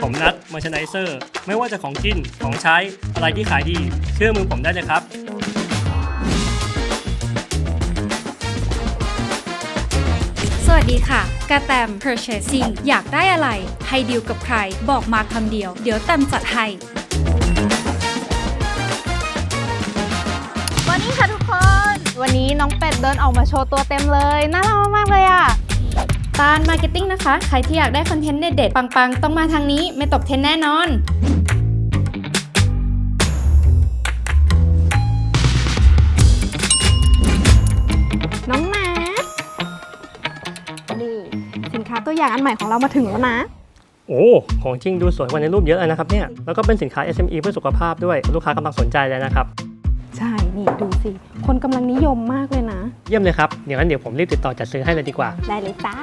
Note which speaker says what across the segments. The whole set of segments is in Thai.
Speaker 1: ผมนัดมาร์แชนไดเซอร์ไม่ว่าจะของกินของใช้อะไรที่ขายดีเชื่อมือผมได้เลยครับ
Speaker 2: สวัสดีค่ะกระแตม Purchasing อยากได้อะไรให้ดีลกับใครบอกมาคำเดียวเดี๋ยวแตมจัดให้
Speaker 3: วันนี้ค่ะทุกคนวันนี้น้องเป็ดเดินออกมาโชว์ตัวเต็มเลยน่ารักมากเลยอ่ะ
Speaker 2: ตาลมาร์เก็ตติ้งนะคะใครที่อยากได้คอนเทนต์เด็ดๆปังๆต้องมาทางนี้ไม่ตกเทรนด์แน่นอน
Speaker 3: น้องนัทนี่สินค้าตัวอย่างอันใหม่ของเรามาถึงแล้วนะ
Speaker 1: โอ้ของจริงดูสวยกว่าในรูปเยอะเลยนะครับเนี่ยแล้วก็เป็นสินค้า SME เพื่อสุขภาพด้วยลูกค้ากำลังสนใจเลยนะครับ
Speaker 3: ใช่นี่ดูสิคนกำลังนิยมมากเลยนะ
Speaker 1: เยี่ยมเลยครับเดี๋ยวผมรีบติดต่อจัดซื้อให้เลยดีกว่า
Speaker 3: ได้เลยจ้า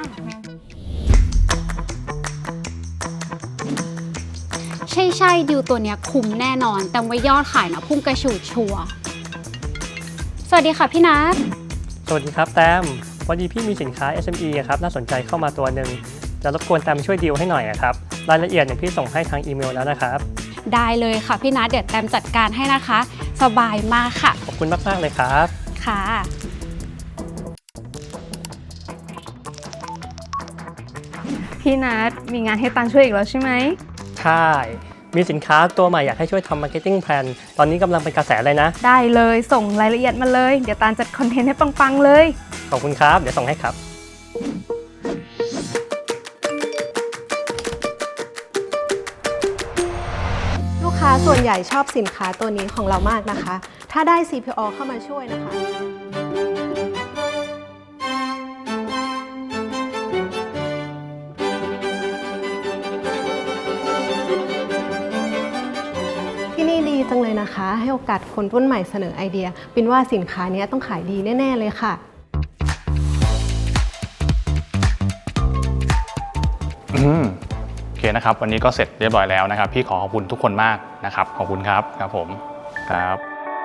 Speaker 4: ใช่ดิวตัวเนี้ยคุ้มแน่นอนแต่ว่ายอดขายนะพุ่งกระฉูดชัวสวัสดีค่ะพี่นัท
Speaker 1: สวัสดีครับแตมพอดีพี่มีสินค้า SME ครับน่าสนใจเข้ามาตัวหนึ่งจะรบกวนแตมช่วยดีลให้หน่อยครับรายละเอียดเนี่ยพี่ส่งให้ทางอีเมลแล้วนะครับ
Speaker 4: ได้เลยค่ะพี่นัทเดี๋ยวแตมจัดการให้นะคะสบายมากค่ะ
Speaker 1: ขอบคุณมากๆเลยครับ
Speaker 4: ค่ะ
Speaker 3: พี่นัทมีงานให้ตันช่วยอีกแล้วใช่ไหม
Speaker 1: ใช่มีสินค้าตัวใหม่อยากให้ช่วยทำ Marketing Plan ตอนนี้กำลังเป็นกระแสเลยนะ
Speaker 3: ได้เลยส่งรายละเอียดมาเลยเดี๋ยวตันจัดคอนเทนต์ให้ปังๆเลย
Speaker 1: ขอบคุณครับเดี๋ยวส่งให้ครับ
Speaker 3: ลูกค้าส่วนใหญ่ชอบสินค้าตัวนี้ของเรามากนะคะถ้าได้ CPO เข้ามาช่วยนะคะที่นี่ดีจังเลยนะคะให้โอกาสคนรุ่นใหม่เสนอไอเดียปินว่าสินค้านี้ต้องขายดีแน่ๆเลยค่ะ
Speaker 5: โอเคนะครับวันนี้ก็เสร็จเรียบร้อยแล้วนะครับพี่ขอขอบคุณทุกคนมากนะครับขอบคุณครับครับผมครับ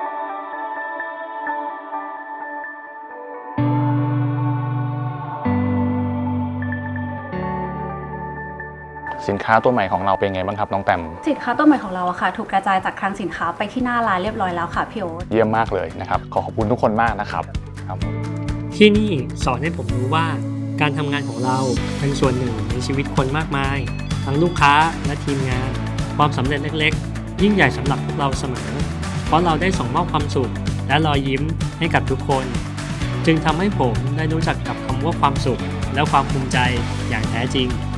Speaker 5: สินค้าตัวใหม่ของเราเป็นไงบ้างครับน้องแตม
Speaker 4: สินค้าตัวใหม่ของเราอะค่ะถูกกระจายจากคลังสินค้าไปที่หน้าร้านเรียบร้อยแล้วค่ะพี่โอ๊ต
Speaker 5: เยี่ยมมากเลยนะครับขอขอบคุณทุกคนมากนะครับครับ
Speaker 1: ที่นี่สอนให้ผมรู้ว่าการทำงานของเราเป็นส่วนหนึ่งในชีวิตคนมากมายทั้งลูกค้าและทีมงานความสำเร็จเล็กๆยิ่งใหญ่สำหรับพวกเราเสมอเพราะเราได้ส่งมอบความสุขและรอยยิ้มให้กับทุกคนจึงทำให้ผมได้รู้จักกับคำว่าความสุขและความภูมิใจอย่างแท้จริง